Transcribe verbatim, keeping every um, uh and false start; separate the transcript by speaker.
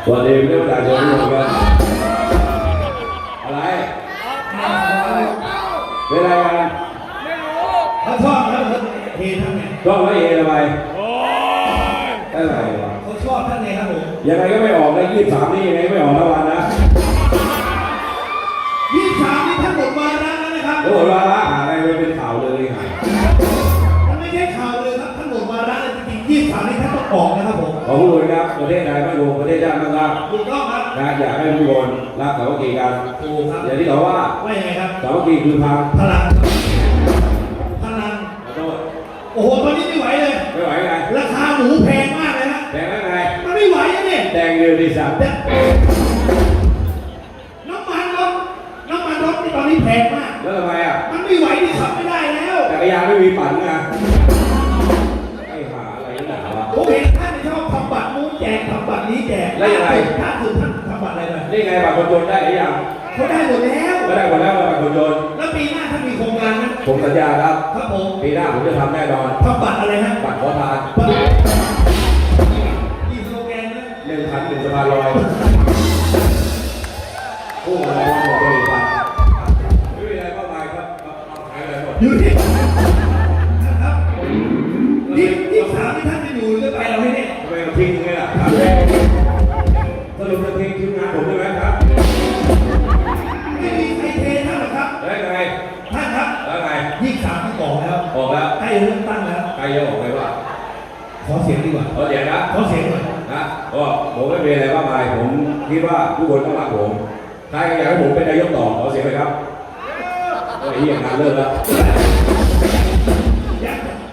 Speaker 1: วันนี้ไม่ต้องจ่ายเงินทุกคนกันอะไรเป็นอะไรกัน
Speaker 2: เขาชอบแล้วเขาเฮท่านไง
Speaker 1: ชอบไม่เฮทำไมอะไรวะ
Speaker 2: เขาชอบท่านไงครับผม
Speaker 1: ยังไงก็ไม่ออกนะยี่สิบสามนี่ยังไงไม่ออกทั้งวันนะ
Speaker 2: ยี่สิบสามนี่ท่านหมดวาระแล้วนะครับ
Speaker 1: โอ้วาระหาอะไรไปเป็นข่าวเลยหาย
Speaker 2: มันไม่ใช่ข่าวเลยครับท่านหมดวาระเลยจริงๆยี่สิบสามนี่ท่านต้องออกนะครับผม
Speaker 1: ขอพูดเลยครับประเทศไทยไม่รวมประเทศชาติมั่งคั่ง
Speaker 2: ถูกต้องครับ
Speaker 1: นะอยากให้ทุกคนรักสามัคคีกัน
Speaker 2: ถูกครับ
Speaker 1: อย่างที่เขาว่า
Speaker 2: ว่ายังไงครับ
Speaker 1: สามัคคีคือพลัง
Speaker 2: พลังพลัง
Speaker 1: ขอโทษ
Speaker 2: โอ้โหตอนนี้ไม่ไหวเลย
Speaker 1: ไม่ไหวไง
Speaker 2: ราคาหมูแพงมากเลยนะ
Speaker 1: แพงไง
Speaker 2: มันไม่ไหวนะเนี่ย
Speaker 1: แดงเร็วดีสัตว์
Speaker 2: น้ำมันรถน้ำมันรถที่ตอนนี้แพงมาก
Speaker 1: แล้วทำไมอ่ะ
Speaker 2: มันไม่ไหวที่ขับไม่ได้แล้ว
Speaker 1: จักรยานไม่มีปั่นไงไอ้หาอะไรนี่หนาวะ
Speaker 2: ผมเห็นท่านชอบทำบัตรนู้นแจกทำบัตรนี้แจก
Speaker 1: แล้วยังไง
Speaker 2: ท่านคือท่านทำบัตรอะไรไป
Speaker 1: นี่ไงบัตรคนจนได้หรือยัง
Speaker 2: เขาได้หมดแล้ว
Speaker 1: ก็ได้หมดแล้วบัตรคนจน
Speaker 2: แล้วปีหน้าท่านมีโครงการนะ
Speaker 1: ผมสัญญาครับ
Speaker 2: ครับผม
Speaker 1: ปีหน้าผมจะทำแน่นอน
Speaker 2: ทำบัตรอะไรฮะ
Speaker 1: บัตรขอทาน
Speaker 2: อีสโลแกนนะ
Speaker 1: หนึ่งพันหนึ่งสะพานลอยผู้อะไรวะบอกบริษัทไม่มีอะไรมากมายครับขายอะไรหมด
Speaker 2: อยู่ที่ครับที่ที่สามที่ท่านจะอยู่จะไปเราไม่ได้
Speaker 1: ทำไมเราทิ้งไงล่ะสรุปจะทิ้งทีมงานผมใช่ไหมครับ
Speaker 2: ไม่มีใครเทท่านหรอกครับ
Speaker 1: แล้วไง
Speaker 2: ท่านครับ
Speaker 1: แล้วไง
Speaker 2: ยี่สามที่ออกแล้ว
Speaker 1: ออกแล้ว
Speaker 2: ใกล้เริ่มตั้งแล้ว
Speaker 1: ใครจะออกไปว่า
Speaker 2: ขอเสียงดีกว่า
Speaker 1: ขอเสียงนะ
Speaker 2: ขอเสียงหน่อย
Speaker 1: นะก็ผมไม่มีอะไรมากมายผมคิดว่าทุกคนต้องรักผมใครอยากให้ผมเป็นนายกต่อขอเสียงเลยครับโอ้ยเฮียงานเลิกแล้ว